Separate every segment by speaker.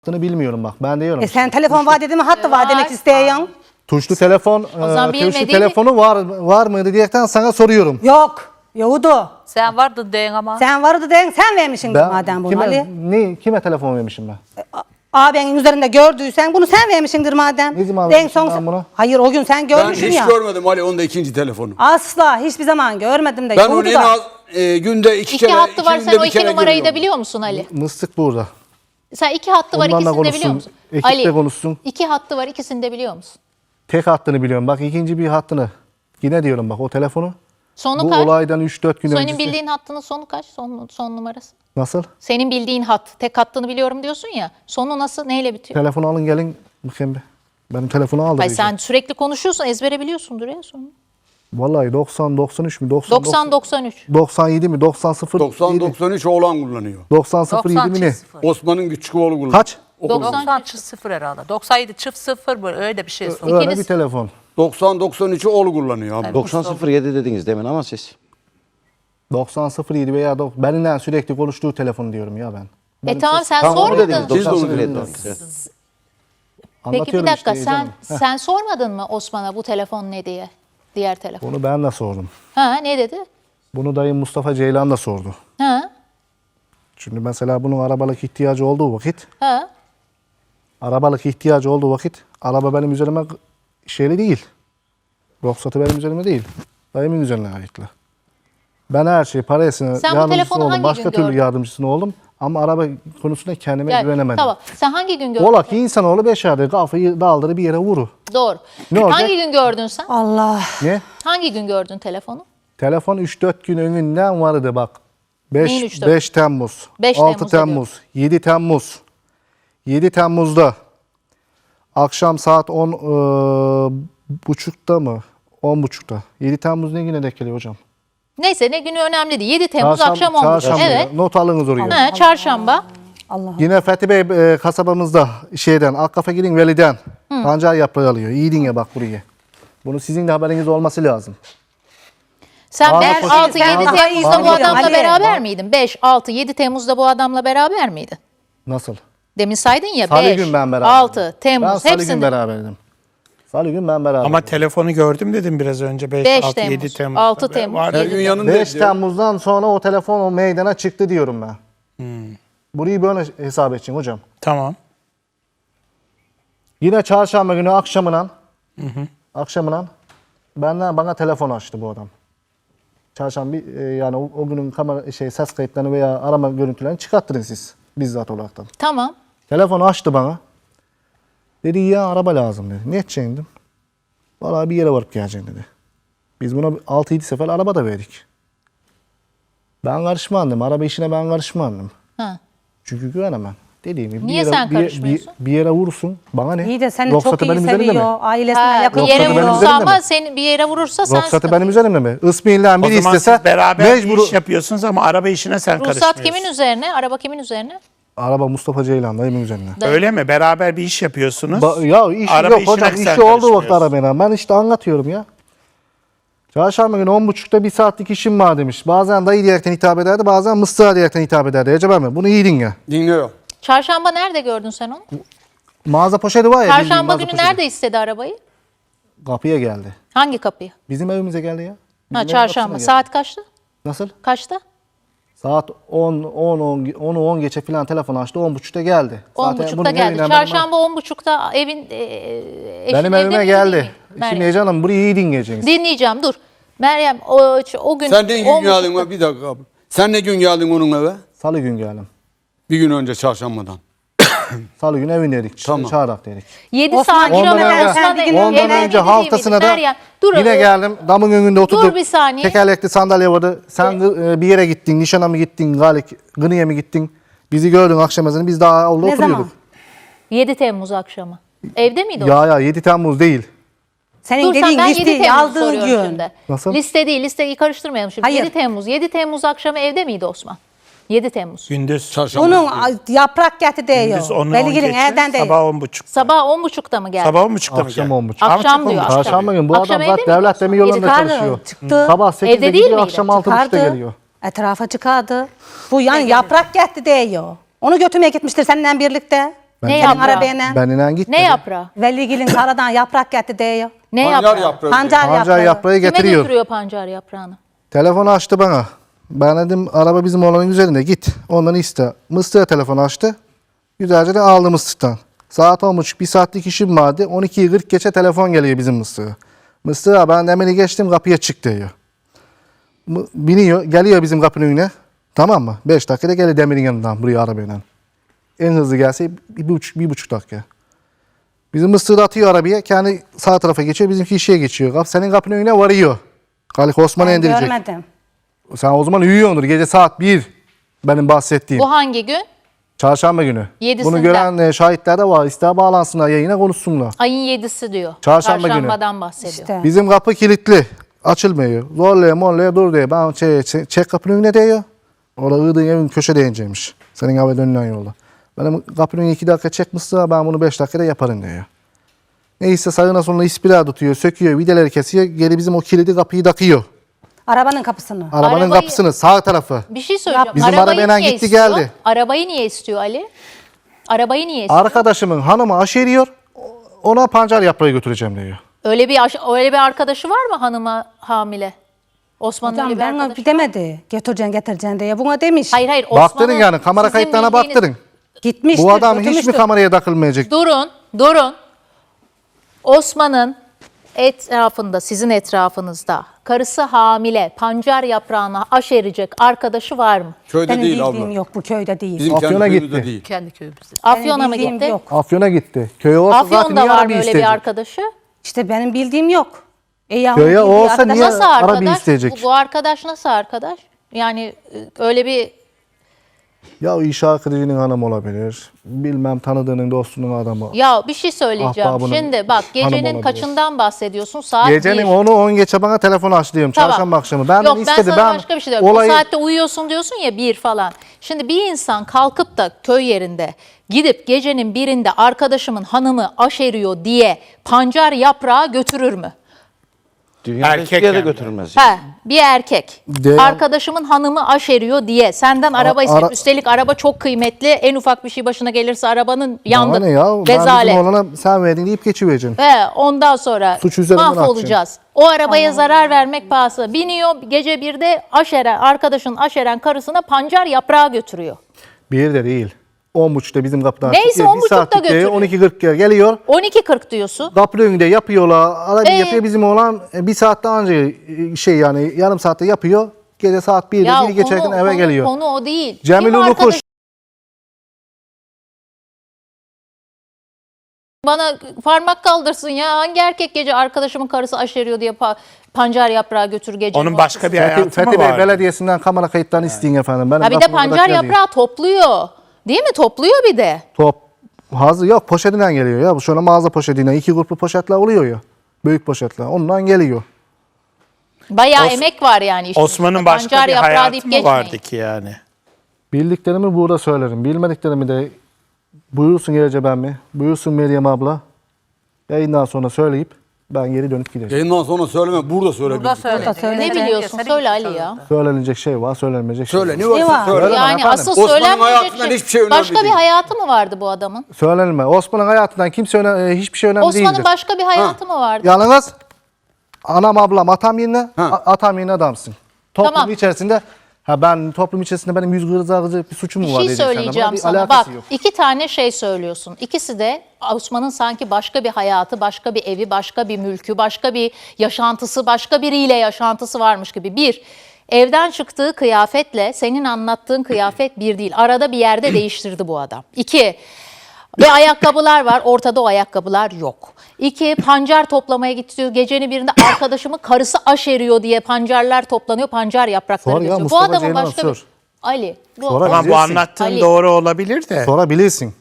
Speaker 1: Bilmiyorum bak. Ben diyorum.
Speaker 2: Sen telefon vaat edin mi? Hattı vaat demek isteyen.
Speaker 1: Tuşlu telefon, tuşlu telefonu var mıydı diyerekten sana soruyorum.
Speaker 2: Yok. Yoktu.
Speaker 3: Sen vardın deyin ama.
Speaker 2: Sen vardı den, sen vermişsin madem bunu Ali.
Speaker 1: Kime telefon vermişim ben?
Speaker 2: Ağabeyin üzerinde gördüysen bunu sen vermişsindir madem.
Speaker 1: Ne zaman
Speaker 2: Den
Speaker 1: vermişim ben bunu?
Speaker 2: Hayır o gün sen
Speaker 4: Ben
Speaker 2: görmüşsün
Speaker 4: hiç
Speaker 2: ya.
Speaker 4: görmedim Ali onda ikinci telefonu.
Speaker 2: Asla hiçbir zaman görmedim de.
Speaker 4: Ben onu
Speaker 2: yoktu
Speaker 4: en
Speaker 2: da.
Speaker 4: az günde iki kere,
Speaker 5: hattı var, sen o
Speaker 4: bir
Speaker 5: iki
Speaker 4: kere
Speaker 5: numarayı da
Speaker 4: görüyorum.
Speaker 5: biliyor musun Ali?
Speaker 1: Mıstık burada.
Speaker 5: Sen iki hattı var,
Speaker 1: Onlarla
Speaker 5: ikisini de biliyor
Speaker 1: konuşsun,
Speaker 5: musun?
Speaker 1: ekip de
Speaker 5: Ali,
Speaker 1: konuşsun.
Speaker 5: iki hattı var, ikisini de biliyor musun?
Speaker 1: Tek hattını biliyorum. Bak ikinci bir hattını. Yine diyorum bak o telefonu.
Speaker 5: Sonu
Speaker 1: Bu
Speaker 5: kaç?
Speaker 1: olaydan 3-4 gün
Speaker 5: Senin
Speaker 1: öncesi.
Speaker 5: bildiğin hattının sonu kaç? Son numarası.
Speaker 1: Nasıl?
Speaker 5: Senin bildiğin hat, tek hattını biliyorum diyorsun ya. Sonu nasıl, neyle bitiyor?
Speaker 1: Telefonu alın gelin. Bakayım bir. Benim telefonu aldı.
Speaker 5: Hayır, sen sürekli konuşuyorsun, ezbere biliyorsundur ya sonu.
Speaker 1: Vallahi 90, 93 mü?
Speaker 5: 90-93.
Speaker 1: 97 mi? 90 0
Speaker 4: 90-93 oğlan kullanıyor.
Speaker 1: 90 0 7 mi ne?
Speaker 4: Osman'ın küçük oğlu kullanıyor.
Speaker 1: Kaç?
Speaker 3: 90 çift 0 herhalde. 97 çift 0 bu öyle bir şey.
Speaker 1: Öyle bir telefon.
Speaker 4: 90-93'ü oğlu kullanıyor abi.
Speaker 6: 90.07 dediniz demin ama siz.
Speaker 1: 90 0 7 veya benimle sürekli konuştuğu telefon diyorum ya ben.
Speaker 5: Tamam sen
Speaker 6: Tamam onu dediniz.
Speaker 5: sormadın.
Speaker 4: Siz de onu
Speaker 6: 90.07
Speaker 4: dediniz.
Speaker 6: dediniz. Evet.
Speaker 5: Peki bir
Speaker 1: Anlatıyorum
Speaker 5: dakika
Speaker 1: işte canım.
Speaker 5: sen sormadın mı Osman'a bu telefon ne diye? Diğer telefon.
Speaker 1: Bunu ben de sordum.
Speaker 5: Ha ne dedi?
Speaker 1: Bunu dayım Mustafa Ceylan da sordu.
Speaker 5: Ha
Speaker 1: Çünkü mesela bunun arabalık ihtiyacı olduğu vakit,
Speaker 5: ha.
Speaker 1: araba benim üzerime şeyli değil. Ruhsatı benim üzerime değil. Dayımın üzerine aitli. Ben her şeyi parasını
Speaker 5: Sen bu
Speaker 1: yardımcısı
Speaker 5: telefonu
Speaker 1: oldum.
Speaker 5: hangi
Speaker 1: Başka
Speaker 5: gün
Speaker 1: türlü
Speaker 5: gördün?
Speaker 1: yardımcısını oldum. Ama araba konusunda kendime
Speaker 5: Gel,
Speaker 1: güvenemedim.
Speaker 5: Tamam. Sen hangi gün gördün?
Speaker 1: Ola ki insanoğlu beşerde kafayı daldırı bir yere vuru.
Speaker 5: Doğru.
Speaker 1: Ne olacak?
Speaker 5: Hangi gün gördün sen?
Speaker 2: Allah.
Speaker 1: Ne?
Speaker 5: Hangi gün gördün telefonu?
Speaker 1: Telefon 3-4 gün önünden vardı bak.
Speaker 5: Neyin
Speaker 1: 5,
Speaker 5: 3-4?
Speaker 1: 5 Temmuz,
Speaker 5: 5
Speaker 1: 6
Speaker 5: Temmuz'da
Speaker 1: Temmuz, 7 Temmuz. 7 Temmuz'da akşam saat 10 buçukta mı? 10 buçukta. 7 Temmuz ne güne denk geliyor hocam?
Speaker 5: Neyse ne günü önemli değil. 7 Temmuz akşam 10.
Speaker 1: Çarşamba.
Speaker 5: Evet.
Speaker 1: Not alınız oraya.
Speaker 5: Ha, çarşamba.
Speaker 1: Yine Fethi Bey kasabamızda şeyden, Akkafa gidin Veli'den pancar yaprağı alıyor. İyi dinle bak burayı. Bunu sizin de haberiniz olması lazım.
Speaker 5: Sen
Speaker 1: Bazı
Speaker 5: 5,
Speaker 1: poşet-
Speaker 5: 6, 7
Speaker 1: bazı-
Speaker 5: Temmuz'da bu
Speaker 1: bazı-
Speaker 5: adamla
Speaker 2: Ali.
Speaker 5: beraber miydin? 5, 6, 7 Temmuz'da bu adamla beraber miydin?
Speaker 1: Nasıl?
Speaker 5: Demin saydın ya
Speaker 1: Salı
Speaker 5: 5,
Speaker 1: gün ben beraber.
Speaker 5: 6, Temmuz
Speaker 1: Ben Salı gün
Speaker 5: hepsinde.
Speaker 1: beraberdim. Salı gün ben beraberdim.
Speaker 7: Ama telefonu gördüm dedim biraz önce. 5,
Speaker 5: 5
Speaker 7: 6,
Speaker 5: Temmuz,
Speaker 7: 7 Temmuz.
Speaker 5: 6 Temmuz.
Speaker 7: Var.
Speaker 4: Her gün yanında
Speaker 1: 5
Speaker 4: diyor.
Speaker 1: Temmuz'dan sonra o telefon o meydana çıktı diyorum ben. Burayı böyle hesap edeceksin hocam.
Speaker 7: Tamam.
Speaker 1: Yine çarşamba günü akşamından bana telefon açtı bu adam. Çarşamba yani o günün kamera ses kayıtlarını veya arama görüntülerini çıkarttırın siz bizzat olaraktan.
Speaker 5: Tamam.
Speaker 1: Telefonu açtı bana. Dedi ya araba lazım dedi. Ne edeceksin dedim. Vallahi bir yere varıp geleceksin dedi. Biz buna 6-7 sefer araba da verdik. Ben karışmam. Araba işine ben karışmam.
Speaker 5: Ha.
Speaker 1: Çünkü güvenemem. Dediğim gibi
Speaker 5: Niye sen karışmıyorsun?
Speaker 1: bir yere vursun. Bana ne?
Speaker 2: İyi de seni
Speaker 1: Ruhsatı
Speaker 2: çok iyi
Speaker 1: benim üzerimde mi?
Speaker 2: seviyor. Ailesine
Speaker 5: Ha,
Speaker 2: yakın.
Speaker 5: bir yere
Speaker 1: Ruhsatı benim
Speaker 5: vurursa
Speaker 1: üzerimde
Speaker 5: ama
Speaker 1: mi?
Speaker 5: seni bir yere vurursa sen
Speaker 1: Ruhsatı
Speaker 5: sıkıntı.
Speaker 1: benim üzerimde mi? Ismi'yle
Speaker 7: O
Speaker 1: biri
Speaker 7: zaman
Speaker 1: istese
Speaker 7: siz beraber
Speaker 1: mecbur.
Speaker 7: bir iş yapıyorsunuz ama araba işine sen
Speaker 5: Ruhsat
Speaker 7: karışmıyorsun.
Speaker 5: kimin üzerine? Araba kimin üzerine?
Speaker 1: Araba Mustafa Ceylan dayımın üzerine.
Speaker 7: Öyle mi? Beraber bir iş yapıyorsunuz.
Speaker 1: Ya iş
Speaker 7: Araba
Speaker 1: yok hocam.
Speaker 7: işine sen
Speaker 1: İşi olduğu vakit
Speaker 7: karışmıyorsun.
Speaker 1: aramayın. Ben işte anlatıyorum ya. Çarşamba günü 10.30'da bir saatlik işim var demiş. Bazen dayı diyerekten hitap ederdi. Bazen mıstığa diyerekten hitap ederdi. Acaba mı? Bunu iyi dinle.
Speaker 4: Dinliyor.
Speaker 5: Çarşamba nerede gördün sen onu?
Speaker 1: Mağaza poşeti var ya. bildiğin
Speaker 5: Çarşamba
Speaker 1: mağaza
Speaker 5: günü
Speaker 1: poşeti.
Speaker 5: nerede istedi arabayı?
Speaker 1: Kapıya geldi.
Speaker 5: Hangi kapıyı?
Speaker 1: Bizim evimize geldi ya. Bizim
Speaker 5: Ha
Speaker 1: evin
Speaker 5: çarşamba.
Speaker 1: kapısına geldi.
Speaker 5: Saat kaçtı?
Speaker 1: Nasıl?
Speaker 5: Kaçta?
Speaker 1: Saat 10 geçe falan telefon açtı. 10.30'da geldi. Zaten
Speaker 5: 10.30'da
Speaker 1: bunun
Speaker 5: geldi.
Speaker 1: evinden
Speaker 5: Çarşamba 10.30'da evin eşin
Speaker 1: benim
Speaker 5: evde
Speaker 1: evime
Speaker 5: miydi,
Speaker 1: geldi.
Speaker 5: değil mi?
Speaker 1: Şimdi
Speaker 5: Meryem.
Speaker 1: Ece Hanım burayı iyi dinleyeceksiniz.
Speaker 5: Dinleyeceğim dur. Meryem o gün
Speaker 4: Sen ne gün
Speaker 5: 10.30'da
Speaker 4: geldin mi? Bir dakika abi. Sen ne gün geldin onun eve?
Speaker 1: Salı gün geldim.
Speaker 4: Bir gün önce çarşambadan.
Speaker 1: Salı gün evindeydik.
Speaker 4: Tamam.
Speaker 1: Çağırak dedik.
Speaker 5: 7
Speaker 2: Osman,
Speaker 5: saat
Speaker 1: Ondan
Speaker 5: kilometre
Speaker 1: önce,
Speaker 5: Osman
Speaker 2: bir gün
Speaker 5: evde
Speaker 1: ondan
Speaker 5: değil
Speaker 1: önce
Speaker 5: miydi?
Speaker 1: haftasına da
Speaker 5: Meryem, dur,
Speaker 1: yine geldim. Damın önünde oturduk.
Speaker 5: bir saniye.
Speaker 1: Tekerlekli sandalye vardı. Sen bir yere gittin. Nişana mı gittin? Gını'ya mı gittin? Bizi gördün akşam ezanı. Biz daha orada
Speaker 2: Ne
Speaker 1: oturuyorduk.
Speaker 2: zaman?
Speaker 5: 7 Temmuz akşamı. Evde miydi o?
Speaker 1: Ya 7 Temmuz değil.
Speaker 2: Senin
Speaker 5: Dur sen
Speaker 2: dediğin
Speaker 5: ben 7
Speaker 2: listeyi
Speaker 5: Temmuz
Speaker 2: aldığın
Speaker 5: soruyorum
Speaker 2: gün.
Speaker 5: şimdi.
Speaker 1: Nasıl?
Speaker 5: Liste değil, listeyi karıştırmayalım şimdi.
Speaker 2: Hayır.
Speaker 5: 7 Temmuz. 7 Temmuz akşamı evde miydi Osman? 7 Temmuz.
Speaker 7: Gündüz.
Speaker 4: Çarşamba.
Speaker 2: Bunun yaprak geti
Speaker 7: Gündüz
Speaker 2: değiyor.
Speaker 7: 10'u 10
Speaker 2: Beligil'in
Speaker 7: geçe.
Speaker 2: evden değil.
Speaker 7: Sabah 10.30.
Speaker 5: Sabah 10.30'da mı geldi?
Speaker 7: Sabah 10.30'da mı
Speaker 1: Akşam
Speaker 7: geldi?
Speaker 1: 10.30.
Speaker 5: Akşam diyor.
Speaker 1: Çarşamba günü bu
Speaker 5: Akşam
Speaker 1: adam
Speaker 5: evde
Speaker 1: zaten
Speaker 5: miydi
Speaker 1: devlet
Speaker 5: Osman?
Speaker 1: demir yollarında
Speaker 2: Çıkardı,
Speaker 1: çalışıyor.
Speaker 2: çıktı.
Speaker 1: Sabah 8'de
Speaker 5: Evde değil
Speaker 1: gidiyor,
Speaker 5: miydi?
Speaker 1: akşam 6.30'da
Speaker 2: Çıkardı.
Speaker 1: geliyor.
Speaker 2: Etrafa çıkardı. Bu yani yaprak gitti değiyor. Onu götürmeye gitmiştir seninle birlikte.
Speaker 5: Ne
Speaker 2: Senin
Speaker 5: yaprağı?
Speaker 2: arabaya
Speaker 1: Benimle gitmedi.
Speaker 5: Ne yaprağı?
Speaker 2: Veligil'in karadan yaprak getti diyor.
Speaker 5: Ne
Speaker 4: Pancar
Speaker 5: yaprağı?
Speaker 4: yaprağı.
Speaker 2: Pancar
Speaker 1: Pancar
Speaker 2: yaprağı.
Speaker 1: yaprağı
Speaker 5: Kime
Speaker 1: getiriyor.
Speaker 5: götürüyor pancar yaprağını?
Speaker 1: Telefonu açtı bana. Ben dedim araba bizim oğlanın üzerinde git. Ondan iste. Mıstığa telefonu açtı. Güzelce de aldı mıstıktan. Saat 10.30 bir saatlik işim vardı. 12:40 geçe telefon geliyor bizim mıstığa. Mıstığa ben demeli geçtim kapıya çık diyor. Biniyor geliyor bizim kapının önüne. Tamam mı? 5 dakikada geliyor demirin yanından buraya arabayla. En hızlı gelse 1,5 dakika. Bizim mıstığı da atıyor arabaya. Kendi sağ tarafa geçiyor. Bizimki işe geçiyor. Senin kapının önüne varıyor. Galik Osman'ı
Speaker 2: Ben
Speaker 1: indirecek.
Speaker 2: görmedim.
Speaker 1: Sen o zaman uyuyordur. Gece saat 1 benim bahsettiğim.
Speaker 5: Bu hangi gün?
Speaker 1: Çarşamba günü.
Speaker 5: Yedisinde.
Speaker 1: Bunu gören şahitler de var. İster bağlansınlar yayına konuşsunlar.
Speaker 5: Ayın 7'si diyor.
Speaker 1: Çarşamba günü.
Speaker 5: Çarşambadan bahsediyor.
Speaker 2: İşte.
Speaker 1: Bizim kapı kilitli. Açılmıyor. Zorlaya morlaya dur diyor. Ben çek kapının önüne diyor. Orada ığdığın evin köşe değineceğimiş. Senin eve dönülen yolda. Benim kapının önüne 2 dakika çekmişse ben bunu 5 dakikada yaparım diyor. Neyse sağına soluna ispira tutuyor, söküyor, vidaları kesiyor. Geri bizim o kilidi kapıyı takıyor.
Speaker 2: Arabanın kapısını.
Speaker 1: Arabanın
Speaker 5: Arabayı-
Speaker 1: kapısını sağ tarafı.
Speaker 5: Bir şey söyleyeceğim.
Speaker 1: Bizim
Speaker 5: Arabayı
Speaker 1: arabayla
Speaker 5: niye
Speaker 1: gitti,
Speaker 5: istiyor?
Speaker 1: geldi.
Speaker 5: Arabayı niye istiyor Ali? Arabayı niye istiyor?
Speaker 1: Arkadaşımın hanımı aşeriyor. Ona pancar yaprağı götüreceğim diyor.
Speaker 5: Öyle bir arkadaşı var mı hanıma hamile? Osman'ın öyle
Speaker 2: Hocam
Speaker 5: bir
Speaker 2: ben
Speaker 5: arkadaşı.
Speaker 2: demedi. Getireceksin diye. Buna demiş.
Speaker 5: Hayır
Speaker 1: Baktırın yani kamera
Speaker 5: sizin
Speaker 1: kayıtlarına
Speaker 5: bildiğiniz-
Speaker 1: baktırın.
Speaker 2: Gitmiştir.
Speaker 1: Bu adam hiç mi
Speaker 2: götürmüştür.
Speaker 1: kameraya takılmayacak?
Speaker 5: Durun. Osman'ın etrafında, sizin etrafınızda karısı hamile, pancar yaprağına aşerecek arkadaşı var mı?
Speaker 4: Köyde
Speaker 2: Benim
Speaker 4: değil
Speaker 2: bildiğim
Speaker 4: abla.
Speaker 2: yok. Bu köyde değil.
Speaker 4: Bizim kendi
Speaker 1: Afyon'a
Speaker 4: köyümüzde
Speaker 1: gitti.
Speaker 4: değil.
Speaker 3: Kendi köyümüzde.
Speaker 5: Afyon'a mı
Speaker 2: bildiğim
Speaker 5: gitti?
Speaker 2: yok.
Speaker 1: Afyon'a gitti. Köye olsa zaten
Speaker 5: Afyon'da
Speaker 1: niye
Speaker 5: var mı
Speaker 1: arabayı
Speaker 5: öyle bir
Speaker 1: isteyecek?
Speaker 5: arkadaşı?
Speaker 2: İşte benim bildiğim yok. Ya
Speaker 1: Köye
Speaker 2: onun bildiği
Speaker 1: olsa
Speaker 2: arkadaş-
Speaker 1: niye-
Speaker 5: Nasıl
Speaker 1: arabayı
Speaker 5: arkadaş?
Speaker 1: isteyecek.
Speaker 5: Bu arkadaş nasıl arkadaş? Yani öyle bir
Speaker 1: Ya o iş arkadaşının hanımı olabilir. Bilmem tanıdığının dostunun adamı.
Speaker 5: ya bir şey söyleyeceğim.
Speaker 1: Ahbabının
Speaker 5: Şimdi bak gecenin
Speaker 1: olabilir.
Speaker 5: kaçından bahsediyorsun? Saat
Speaker 1: Gecenin
Speaker 5: 1.
Speaker 1: 10'u 10 geçe bana telefon aç diyorum.
Speaker 5: Tamam.
Speaker 1: Çarşamba akşamı. Ben
Speaker 5: Yok
Speaker 1: istedim.
Speaker 5: ben sana başka bir şey diyorum.
Speaker 1: olayı...
Speaker 5: O saatte uyuyorsun diyorsun ya 1 falan. Şimdi bir insan kalkıp da köy yerinde gidip gecenin 1'inde arkadaşımın hanımı aşeriyor diye pancar yaprağı götürür mü?
Speaker 6: Dünya
Speaker 7: Erkek
Speaker 6: hiçbir yere
Speaker 7: yani.
Speaker 6: götürülmez.
Speaker 5: He, bir erkek.
Speaker 1: De-
Speaker 5: Arkadaşımın hanımı aşeriyor diye senden araba isteyip
Speaker 1: ara-
Speaker 5: üstelik araba çok kıymetli. En ufak bir şey başına gelirse arabanın
Speaker 1: Bana
Speaker 5: yandı.
Speaker 1: ne ya? Ben
Speaker 5: Rezalet.
Speaker 1: bizim oğlana sen verdin deyip geçivereceksin.
Speaker 5: Ve ondan sonra
Speaker 1: Suç üzerinden
Speaker 5: mahvolacağız. O arabaya zarar vermek pahası. Biniyor gece 1'de arkadaşın aşeren karısına pancar yaprağı götürüyor.
Speaker 1: Bir de değil. 10.30'da bizim kapıdan
Speaker 5: Neyse,
Speaker 1: çıkıyor.
Speaker 5: 10.30'da
Speaker 1: saatlik diyor,
Speaker 5: götürüyor.
Speaker 1: 12.40'ya geliyor.
Speaker 5: 12.40 diyorsun.
Speaker 1: Kapı önünde yapıyorlar. Arabayı
Speaker 5: Ee?
Speaker 1: yapıyor bizim oğlan. Bir saatte önce yani yarım saatte yapıyor. Gece saat 1'de
Speaker 5: Ya
Speaker 1: biri geçerken eve geliyor.
Speaker 5: Konu o değil.
Speaker 1: Cemil
Speaker 5: Kim
Speaker 1: Ulukuş.
Speaker 5: arkadaş- Bana parmak kaldırsın ya. Hangi erkek gece arkadaşımın karısı aşeriyor diye pancar yaprağı götür gece.
Speaker 7: Onun başka bir hayatı
Speaker 1: Fethi
Speaker 7: mı
Speaker 1: Bey
Speaker 7: var?
Speaker 1: Belediyesi'nden kamera kayıtlarını isteyin efendim. Benim
Speaker 5: Ha bir de
Speaker 1: kapıma kadar
Speaker 5: pancar
Speaker 1: geliyor.
Speaker 5: yaprağı topluyor. Değil mi? Topluyor bir de.
Speaker 1: Top. Hazır yok poşetinden geliyor ya. Bu şöyle mağaza poşetinden 2 gruplu poşetler oluyor ya. Büyük poşetler. Ondan geliyor.
Speaker 5: Bayağı emek var yani işin
Speaker 7: Osman'ın
Speaker 5: içinde.
Speaker 7: başka
Speaker 5: Pancar
Speaker 7: bir
Speaker 5: yaprağı
Speaker 7: hayatı
Speaker 5: deyip
Speaker 7: mı
Speaker 5: geçmeyin.
Speaker 7: vardı ki yani?
Speaker 1: Bildiklerimi burada söylerim. Bilmediklerimi de buyursun Gerece ben mi? Buyursun Meryem abla. Yayından sonra söyleyip ben geri dönüp gideceğim.
Speaker 4: Yayından sonra söyleme. Burada söyle.
Speaker 3: Burada
Speaker 4: bizi.
Speaker 3: söyle.
Speaker 2: Burada söyle.
Speaker 5: Ne biliyorsun? Söyle Ali ya.
Speaker 1: Söylenecek şey var, söylenmeyecek şey
Speaker 4: Söyle.
Speaker 1: var.
Speaker 4: Ne varsa
Speaker 2: var?
Speaker 4: söyle.
Speaker 1: Söyle.
Speaker 5: Yani
Speaker 1: efendim.
Speaker 5: asıl
Speaker 4: Osman'ın
Speaker 5: söylenmeyecek
Speaker 4: hayatından hiçbir şey önemli
Speaker 5: Başka bir
Speaker 4: değil.
Speaker 5: hayatı mı vardı bu adamın?
Speaker 1: Söylenme. Osman'ın hayatından kimse hiçbir şey önemli değildir.
Speaker 5: Osman'ın başka bir hayatı mı vardı?
Speaker 1: Yalnız anam ablam atam yerine,
Speaker 4: Ha.
Speaker 1: atam yerine adamsın. Toplum
Speaker 5: Tamam.
Speaker 1: içerisinde toplum içerisinde benim yüz kırzacak bir suçum mu
Speaker 5: Bir
Speaker 1: var
Speaker 5: şey
Speaker 1: diyeceksin.
Speaker 5: söyleyeceğim
Speaker 1: Bir
Speaker 5: sana.
Speaker 1: alakası
Speaker 5: Bak
Speaker 1: yok.
Speaker 5: 2 tane şey söylüyorsun. İkisi de Osman'ın sanki başka bir hayatı, başka bir evi, başka bir mülkü, başka bir yaşantısı, başka biriyle yaşantısı varmış gibi. Bir, evden çıktığı kıyafetle senin anlattığın kıyafet bir değil. Arada bir yerde değiştirdi bu adam. 2, ve ayakkabılar var. Ortada o ayakkabılar yok. 2, pancar toplamaya gitti. Gecenin birinde arkadaşımın karısı aşeriyor diye pancarlar toplanıyor. Pancar yaprakları
Speaker 1: Sor ya,
Speaker 5: götürüyor. Bu
Speaker 1: Mustafa
Speaker 5: adamın
Speaker 1: Ceylan
Speaker 5: başka
Speaker 1: sor.
Speaker 5: bir... Ali. Bu
Speaker 1: Sonra
Speaker 7: Ama bu
Speaker 1: Bilirsin.
Speaker 7: anlattığın
Speaker 5: Ali.
Speaker 7: doğru olabilir de.
Speaker 1: Sonra bilirsin.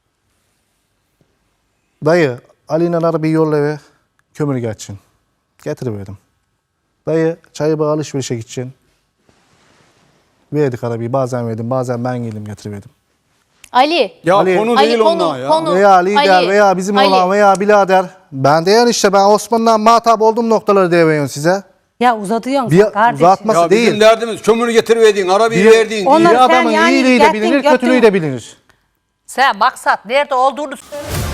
Speaker 1: Dayı Ali'yle arabayı yolla eve kömür geçsin. Getiriverdim. Dayı çayı bağ alışverişe gideceksin. Verdik arabayı bazen verdim bazen ben geldim getiriverdim.
Speaker 5: Ali.
Speaker 4: Ya
Speaker 1: Ali-
Speaker 4: konu
Speaker 5: Ali,
Speaker 4: değil
Speaker 5: konu-
Speaker 4: onlar ya.
Speaker 5: konu-
Speaker 1: Veya lider
Speaker 5: Ali,
Speaker 1: veya bizim
Speaker 5: Ali.
Speaker 1: olan veya birader. Ben de yani işte ben Osman'dan muhatap olduğum noktaları devriyorum size.
Speaker 2: Ya uzatıyorsun
Speaker 1: Bir
Speaker 2: kardeşim.
Speaker 1: uzatması
Speaker 4: Ya bizim
Speaker 1: değil.
Speaker 4: derdimiz kömürü getiriverdin, arabayı verdin.
Speaker 2: Onlar-
Speaker 1: Bir
Speaker 2: sen
Speaker 1: adamın
Speaker 2: yani
Speaker 1: iyiliği de
Speaker 2: gittin,
Speaker 1: bilinir,
Speaker 2: götün-
Speaker 1: kötülüğü de bilinir.
Speaker 3: Sen maksat nerede olduğunu